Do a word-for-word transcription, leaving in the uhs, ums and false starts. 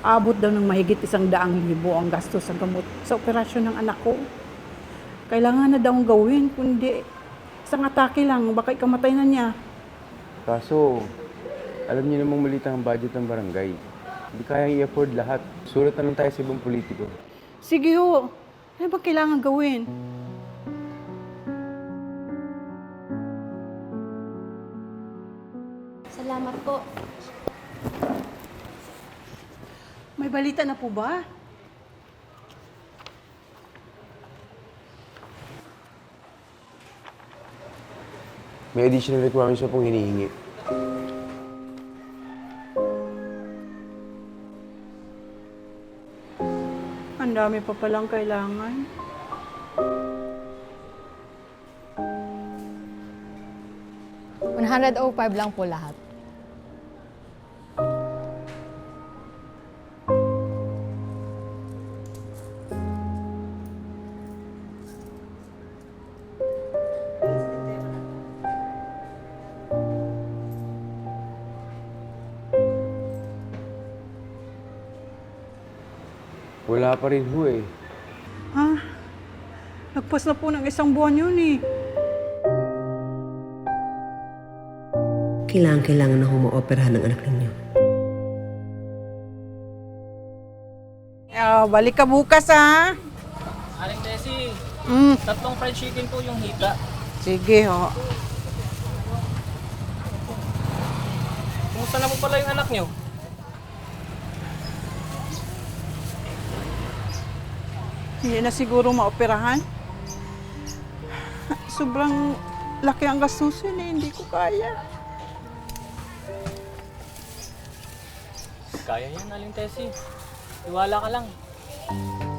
Abot daw ng mahigit isang daang libo ang gastos sa gamot sa operasyon ng anak ko. Kailangan na daw gawin, kundi isang atake lang, baka ikamatay na niya. Kaso, alam niyo namang maliit ang budget ng barangay. Hindi kayang i-afford lahat. Sulat na lang tayo sa ibang politiko. Sige ho, ano ba kailangan gawin? Salamat po. May balita na po ba? May additional requirements pa pong hinihingi. Ang dami pa palang kailangan. one hundred five lang po lahat. Wala pa rin ho eh. Ha? Nagpas na po ng isang buwan yun eh. Kailangan-kailangan na humaoperahan ng anak ninyo. Ah, balik ka bukas ha. Aling Tessie, Mm, tatlong fried chicken po yung hita. sige ho. Kumusta na po pala yung anak niyo? Hindi na siguro maoperahan. Sobrang laki ang gastusin eh, hindi ko kaya. Kaya yan, Aling Tessie. Iwala ka lang.